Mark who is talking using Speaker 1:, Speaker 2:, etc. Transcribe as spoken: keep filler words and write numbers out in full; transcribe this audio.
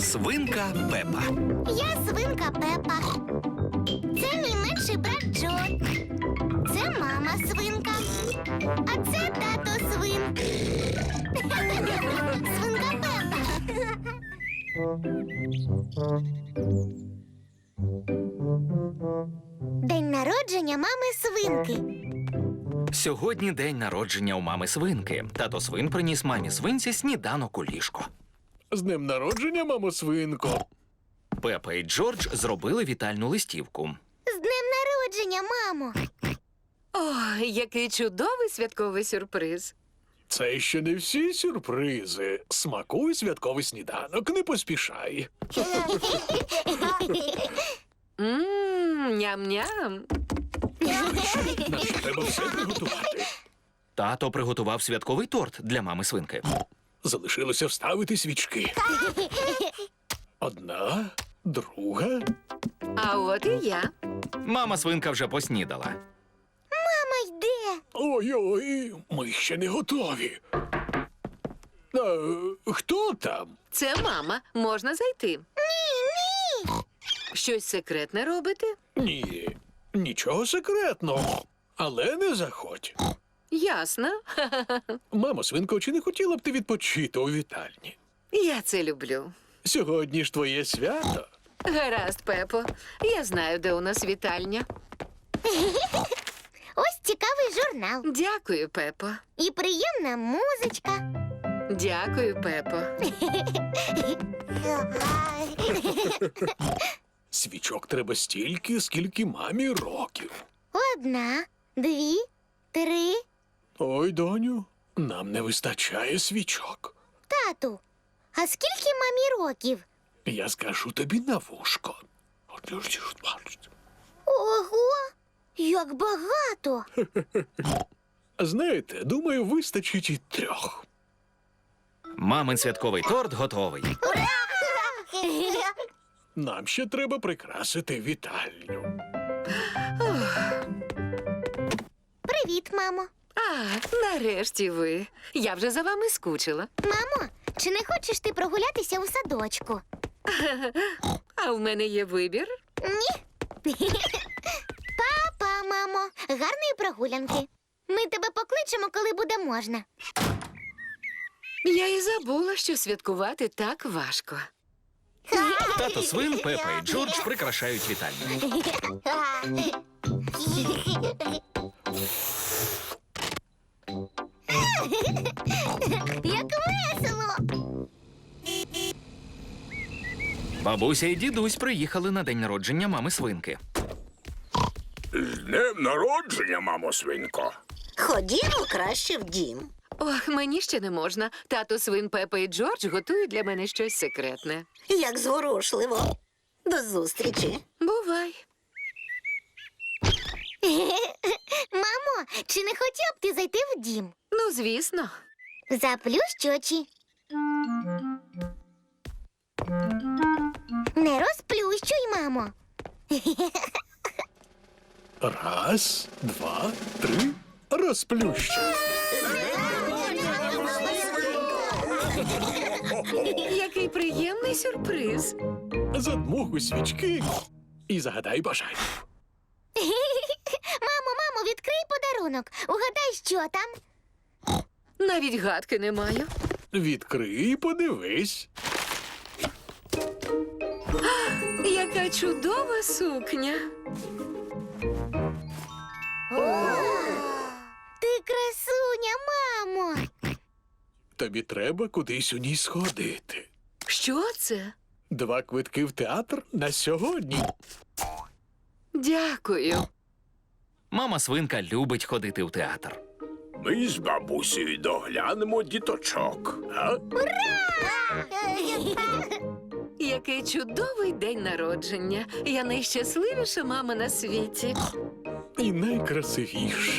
Speaker 1: Свинка Пепа.
Speaker 2: Я свинка Пепа. Це мій менший брат Джо. Це мама свинка. А це тато свин. Свинка Пепа. День народження мами свинки.
Speaker 1: Сьогодні день народження у мами свинки. Тато свин приніс мамі свинці сніданок у ліжко.
Speaker 3: З днем народження, мамо свинко.
Speaker 1: Пепа і Джордж зробили вітальну листівку.
Speaker 2: З днем народження, мамо.
Speaker 4: О, який чудовий святковий сюрприз.
Speaker 3: Це ще не всі сюрпризи. Смакуй святковий сніданок, не поспішай.
Speaker 4: Ммм, ням-ням.
Speaker 3: Нам ще треба все приготувати.
Speaker 1: Тато приготував святковий торт для мами свинки.
Speaker 3: Залишилося вставити свічки. Одна, друга.
Speaker 4: А от і я.
Speaker 1: Мама свинка вже поснідала.
Speaker 2: Мама йде.
Speaker 3: Ой-ой, ми ще не готові. А, хто там?
Speaker 4: Це мама. Можна зайти.
Speaker 2: Ні, ні.
Speaker 4: Щось секретне робите?
Speaker 3: Ні, нічого секретного. Але не заходь.
Speaker 4: Ясно.
Speaker 3: Мамо свинко, чи не хотіла б ти відпочити у вітальні?
Speaker 4: Я це люблю.
Speaker 3: Сьогодні ж твоє свято.
Speaker 4: Гаразд, Пепо. Я знаю, де у нас вітальня.
Speaker 2: Ось цікавий журнал.
Speaker 4: Дякую, Пепо.
Speaker 2: І приємна музичка.
Speaker 4: Дякую, Пепо.
Speaker 3: Свічок треба стільки, скільки мамі років.
Speaker 2: Одна, дві, три.
Speaker 3: Ой, доню, нам не вистачає свічок.
Speaker 2: Тату, а скільки мамі років?
Speaker 3: Я скажу тобі на вушко.
Speaker 2: Ого, як багато.
Speaker 3: Знаєте, думаю, вистачить і трьох.
Speaker 1: Мамин святковий торт готовий.
Speaker 3: Нам ще треба прикрасити вітальню.
Speaker 2: Привіт, мамо.
Speaker 4: А, нарешті ви. Я вже за вами скучила.
Speaker 2: Мамо, чи не хочеш ти прогулятися у садочку?
Speaker 4: А в мене є вибір.
Speaker 2: Ні. Папа, мамо, гарної прогулянки. Ми тебе покличемо, коли буде можна.
Speaker 4: Я і забула, що святкувати так важко.
Speaker 1: Тато свин, Пепа і Джордж прикрашають вітальню.
Speaker 2: Як весело!
Speaker 1: Бабуся і дідусь приїхали на день народження мами свинки.
Speaker 5: З днем народження, мамо свинко.
Speaker 6: Ходімо краще в дім.
Speaker 4: Ох, мені ще не можна. Тато свин, Пепа і Джордж готують для мене щось секретне.
Speaker 6: Як зворушливо. До зустрічі.
Speaker 4: Бувай.
Speaker 2: Мамо, чи не хотів б ти зайти в дім?
Speaker 4: Ну, звісно.
Speaker 2: Заплющ очі. Не розплющуй, мамо.
Speaker 3: Раз, два, три. Розплющу.
Speaker 4: Який приємний сюрприз.
Speaker 3: Задмухуй свічки і загадай бажання.
Speaker 2: Мамо, мамо, відкрий подарунок. Угадай, що там.
Speaker 4: Навіть гадки не маю.
Speaker 3: Відкрий і подивись.
Speaker 4: Яка чудова сукня.
Speaker 2: Ти красуня, мамо.
Speaker 3: Тобі треба кудись у ній сходити.
Speaker 4: Що це?
Speaker 3: Два квитки в театр на сьогодні.
Speaker 4: Дякую.
Speaker 1: Мама свинка любить ходити в театр.
Speaker 5: Ми з бабусею доглянемо діточок. А?
Speaker 4: Який чудовий день народження. Я найщасливіша мама на світі.
Speaker 3: І найкрасивіша.